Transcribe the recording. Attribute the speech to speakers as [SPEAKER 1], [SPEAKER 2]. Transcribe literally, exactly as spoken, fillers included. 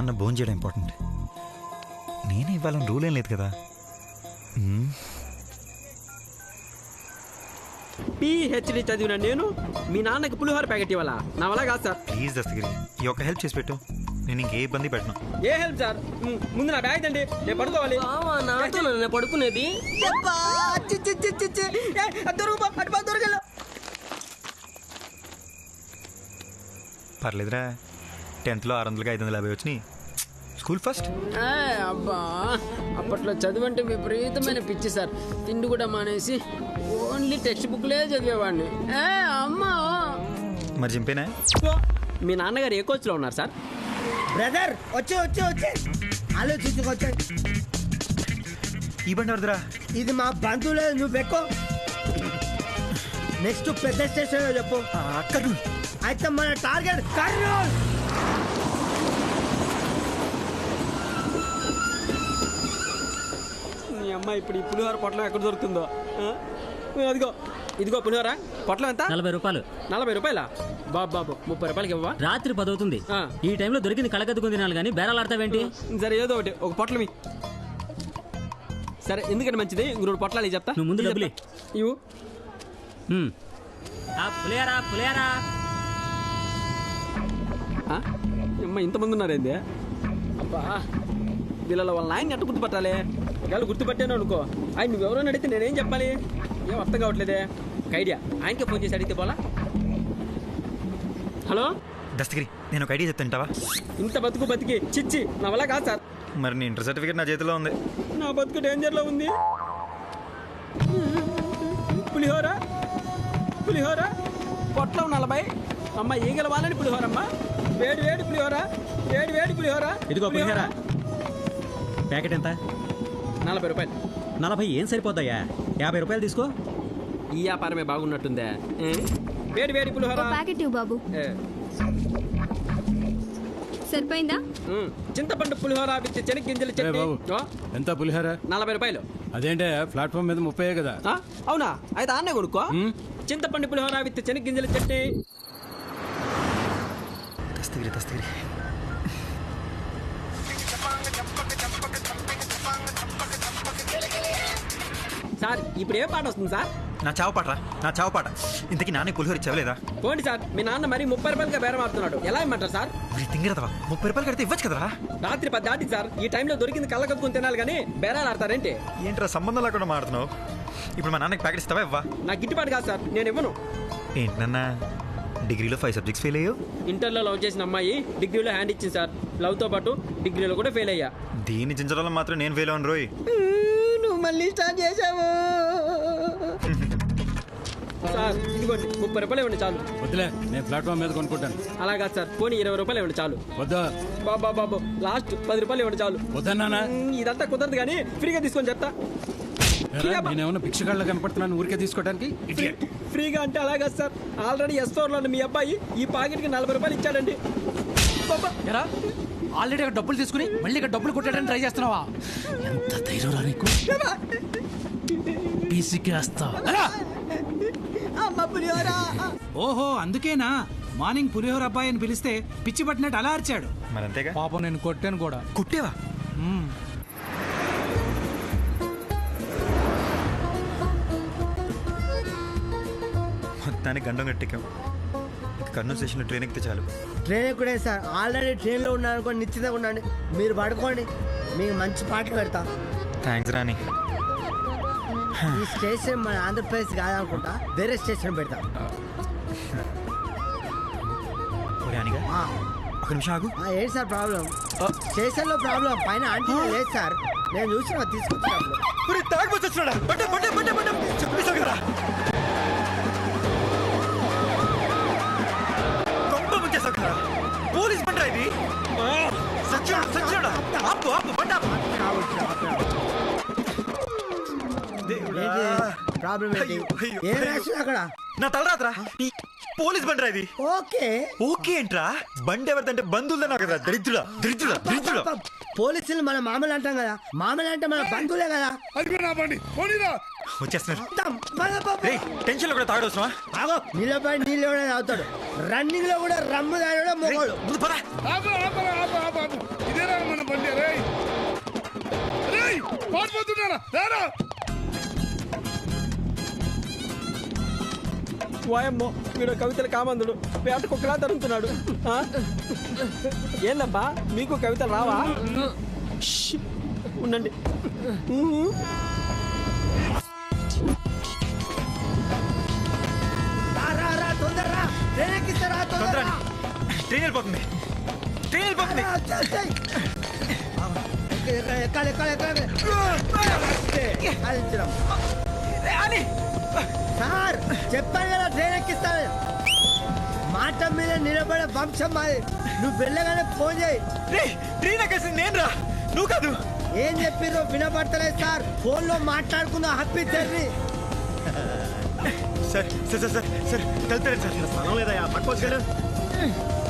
[SPEAKER 1] నాన్న భోజనం చేయడం ఇంపార్టెంట్. నేనే ఇవ్వాలని రూల్ ఏం లేదు కదా.
[SPEAKER 2] పిహెచ్డి చదివిన నేను మీ నాన్నకి పులిహోర ప్యాకెట్ ఇవ్వాలా? నా వల్ల కాదు సార్.
[SPEAKER 1] ప్లీజ్ దస్తగిరి, ఈ ఒక్క హెల్ప్ చేసి పెట్టు. నేను ఇంకే ఇబ్బంది పెట్టను.
[SPEAKER 2] ఏ హెల్ప్ సార్? ముందు నా బ్యాగ్ తండి, నేను పడుకోవాలి.
[SPEAKER 3] నాతో నన్ను పడుకునేది.
[SPEAKER 1] పర్లేదురా, టెన్త్లో ఆరు వందలకి ఐదు వందల యాభై వచ్చినాయి. School first.
[SPEAKER 3] అబ్బా, అప్పట్లో చదువు అంటే విపరీతమైన పిచ్చి సార్. తిండి కూడా మానేసి ఓన్లీ టెక్స్ట్ బుక్లే చదివేవాడిని. అమ్మా
[SPEAKER 1] మరి చింపేనా?
[SPEAKER 2] మీ నాన్నగారు ఏ కోచ్లో ఉన్నారు సార్?
[SPEAKER 4] బ్రదర్ వచ్చే వచ్చే వచ్చే ఆలోచించుకొచ్చా.
[SPEAKER 1] ఈ బండి ఎవరిదిరా?
[SPEAKER 4] ఇది మా బంధువులే, నువ్వు పెట్టుకో. నెక్స్ట్ పెద్ద స్టేషన్ చెప్పు.
[SPEAKER 1] అక్కడ
[SPEAKER 4] అయితే మన టార్గెట్ కర్నూల్.
[SPEAKER 2] మీ అమ్మాయి ఇప్పుడు ఈ పులిహోర పొట్లం ఎక్కడ దొరుకుతుందో. అదిగో ఇదిగో పులిహోర పొట్లం ఎంత?
[SPEAKER 3] నలభై రూపాయలు.
[SPEAKER 2] నలభై రూపాయలా? బాబు బాబు ముప్పై రూపాయలకి ఇవ్వవా?
[SPEAKER 3] రాత్రి పది అవుతుంది. ఈ టైంలో దొరికింది కళకద్దుకుని తినాలి కానీ బేరాలు ఆడతావేంటి?
[SPEAKER 2] సరే ఏదో ఒకటి ఒక పొట్లమి. సరే ఎందుకంటే మంచిది, ఇంకొక పొట్లాలు చెప్తా.
[SPEAKER 3] నువ్వు ముందు డబ్బులు
[SPEAKER 2] ఇవ్వు.
[SPEAKER 3] పులిహారా పులిహారా.
[SPEAKER 2] అమ్మ ఇంతమంది ఉన్నారేంది? అబ్బా, వీళ్ళ వాళ్ళ ఆయన ఎట్ట గుర్తుపట్టాలి? ఒకవేళ గుర్తుపట్టాను అనుకో, ఆయన నువ్వెవరో అడిగితే నేనేం చెప్పాలి? ఏం అర్థం కావట్లేదే. ఒక ఐడియా, ఆయనకే ఫోన్ చేసి అడిగితే పోలా. హలో
[SPEAKER 1] దస్తగిరి, నేను ఒక ఐడియా చెప్తాంటావా?
[SPEAKER 2] ఇంత బతుకు బతికి చిచ్చి నా వల్ల కాదు సార్.
[SPEAKER 1] మరి నీ ఇంటర్ సర్టిఫికేట్ నా చేతిలో ఉంది.
[SPEAKER 2] నా బతుకు డేంజర్లో ఉంది. పులిహోర పులిహోర పొట్లం నలభై. అమ్మ ఈగల వాళ్ళని పులిహోరమ్మ. వేడి వేడి పులిహోర, వేడి వేడి పులిహోర.
[SPEAKER 3] ఇదిగో పులిహోర ప్యాకెట్ ఎంత?
[SPEAKER 2] నలభై రూపాయలు.
[SPEAKER 3] నలభై ఏం సరిపోతాయా? యాభై రూపాయలు తీసుకో.
[SPEAKER 2] ఈ వ్యాపారమే బాగున్నట్టుందే. వేడి వేడి పులిహోర
[SPEAKER 5] ప్యాకెట్ ఇవ్వు బాబు. సరిపోయిందా?
[SPEAKER 2] చింతపండు పులిహోర విత్ చెనక్కింజల చట్నీ.
[SPEAKER 6] ఎంత పులిహోర?
[SPEAKER 2] నలభై రూపాయలు.
[SPEAKER 6] అదేంటే ప్లాట్ఫామ్ మీద ముప్పై కదా?
[SPEAKER 2] అవునా? అయితే ఆన్నే కొనుక్కో. చింతపండు పులిహోర విత్ చెనక్కింజల చట్నీ.
[SPEAKER 1] దస్తగిరి దస్తగిరి
[SPEAKER 2] సార్ ఇప్పుడు ఏ పాట వస్తుంది సార్?
[SPEAKER 1] నా చావు పాటరా, నా చావు పాట. ఇంతకీ నాన్న పులిహోర ఇచ్చావలేదా?
[SPEAKER 2] పోండి సార్, మీ నాన్న మరి ముప్పై రూపాయలుగా బేరం ఆడుతున్నాడు. ఎలా ఇమ్మంటారు సార్?
[SPEAKER 1] తింగిరదవా, ముప్పై రూపాయలు కడితే ఇవ్వచ్చు కదరా.
[SPEAKER 2] రాత్రి పది దాటి సార్, ఈ టైంలో దొరికింది కళ్ళ కప్పుకొని తినాలి కానీ బేరాలు ఆడతారేంటి?
[SPEAKER 1] ఏంట్రా సంబంధం లేకుండా మాడుతున్నావు? ఇప్పుడు మా నాన్నకి ప్యాకెట్ ఇస్తావా ఇవ్వా?
[SPEAKER 2] నాకు గిట్టుబాటు కాదు సార్, నేను ఇవ్వను.
[SPEAKER 1] ఏంటన్నా డిగ్రీలో ఫైవ్ సబ్జెక్ట్స్ ఫెయిల్ అయ్యావు?
[SPEAKER 2] ఇంటర్లో లవ్ చేసిన అమ్మాయి డిగ్రీలో హ్యాండ్ ఇచ్చింది సార్. లవ్తో పాటు డిగ్రీలో కూడా ఫెయిల్ అయ్యా.
[SPEAKER 1] దీన్ని చించడంలో మాత్రం నేను ఫెయిల్ అవ్వను రోయ్.
[SPEAKER 2] నువ్వు మళ్ళీ స్టార్ట్ చేసావు సార్. ఇదిగోండి ముప్పై రూపాయలు ఇవ్వండి చాలు.
[SPEAKER 6] వద్దులే, నేను ప్లాట్ఫామ్ మీద కొనుక్కుంటాను.
[SPEAKER 2] అలా కాదు సార్, పోనీ ఇరవై రూపాయలు ఇవ్వండి చాలు.
[SPEAKER 6] వద్దా?
[SPEAKER 2] బాబా బాబు లాస్ట్ పది రూపాయలు ఇవ్వండి చాలు.
[SPEAKER 6] వద్దన్నా,
[SPEAKER 2] ఇదంతా కుదరదు కానీ ఫ్రీగా తీసుకొని చెప్తా.
[SPEAKER 6] నేనేమన్నా భిక్షగాళ్ళ కనపడుతున్నాను ఊరికే తీసుకోవడానికి?
[SPEAKER 2] ఫ్రీగా అంటే అలాగా సార్, ఆల్రెడీ ఎస్ ఫోర్ లో మీ అబ్బాయి ఈ పాకెట్ కి నలభై రూపాయలు ఇచ్చాడండి.
[SPEAKER 7] ఆల్రెడీ అక్కడ డబ్బులు తీసుకుని మళ్ళీ ఇక్కడ డబ్బులు కొట్టడానికి ట్రై చేస్తున్నావా? ఎంత ధైర్యం రా నీకు? పీసికేస్తా. ఓహో, అందుకేనా మార్నింగ్ పులిహోర అబ్బాయి అని పిలిస్తే పిచ్చి పట్టినట్టు అలా అరిచాడు.
[SPEAKER 1] మరి అంతేగా.
[SPEAKER 7] పాపం నేను కొట్టాను కూడా.
[SPEAKER 1] కుట్టేవా? మొత్తానికి గండం గట్టెక్కాం. కర్నూలు స్టేషన్లో ట్రైన్ ఎక్కితే చాలు.
[SPEAKER 4] ట్రైన్ ఎక్కుడే సార్, ఆల్రెడీ ట్రైన్లో ఉన్నాను అనుకోండి. నిశ్చితంగా ఉండండి, మీరు పడుకోండి, మీకు మంచి పాటలు పెడతా.
[SPEAKER 1] థ్యాంక్స్ రాని.
[SPEAKER 4] ఈ స్టేషన్ మన ఆంధ్రప్రదేశ్ కాదనుకుంటా, వేరే స్టేషన్ పెడతా.
[SPEAKER 1] ఒక నిమిషం ఆగు.
[SPEAKER 4] ఏంటి సార్ ప్రాబ్లం? స్టేషన్లో ప్రాబ్లం, పైన ఆంటీ లేదు సార్, నేను చూసిన తీసుకొచ్చాను.
[SPEAKER 1] పోలీస్ బండి ఇది.
[SPEAKER 4] ప్రాబ్లం ఏంటి? ఏం యాక్షన్ అక్కడ?
[SPEAKER 1] నా తలరాత్రా, పోలీస్ బండి ఇది.
[SPEAKER 4] ఓకే
[SPEAKER 1] ఓకే ఏంట్రా? బండి ఎవరిదంటే బంధువులే నాకు కదా. దరిద్రుడా దరిద్రుడా దరిద్రుడా.
[SPEAKER 4] పోలీసులు మన మామూలు అంటాం కదా, మామూలు అంటే మన బంధువులే కదా.
[SPEAKER 1] వచ్చేస్తున్నారు.
[SPEAKER 4] మొత్తం మన పాప.
[SPEAKER 1] రేయ్ టెన్షన్ లో కూడా తాగడవసరమా?
[SPEAKER 4] ఆగో నిలబడి నీళ్ళు కూడా తాగుతాడు, రన్నింగ్ లో కూడా రమ్ము తాగడం మొగోడు.
[SPEAKER 1] ముందు పద.
[SPEAKER 8] ఇదేనా మన బండి? రేయ్ రేయ్ పారిపోతున్నారా? రారా
[SPEAKER 2] వాయమ్మో వీడు కవితలు కామందుడు వేట కుక్కలా తరుముతున్నాడు. ఆ? ఏందబ్బా మీకు కవితలు రావా? ష్! ఉండండి. ఊహు.
[SPEAKER 4] రా, రా, రా, తొందర రా. ట్రైన్ ఎక్కిస్తారా? తొందర
[SPEAKER 1] తొందర
[SPEAKER 4] రా.
[SPEAKER 1] ట్రైన్ వెళ్ళిపోతుంది. ట్రైన్ వెళ్ళిపోతుంది.
[SPEAKER 4] రా, వచ్చేస్తాయి. ఎక్కాలి, ఎక్కాలి, ఎక్కాలి, ఎక్కాలి. ఎక్కాలించడం.
[SPEAKER 1] అని
[SPEAKER 4] సార్ చెప్పాను కదా ట్రైన్ ఎక్కిస్తాను. మాట మీద నిలబడే వంశం మాది. నువ్వు వెళ్ళగానే ఫోన్ చేయి.
[SPEAKER 1] రేయ్ ట్రైన్ ఎక్కేసింది నేను రా, నువ్వు కాదు.
[SPEAKER 4] ఏం చెప్పిర్రో వినపడతలేదు సార్. ఫోన్ లో మాట్లాడుకుందాం. Happy journey.
[SPEAKER 1] Sir sir sir sir sir వెళ్తారు సార్. స్థలం లేదా పట్టుకోవచ్చు కదా.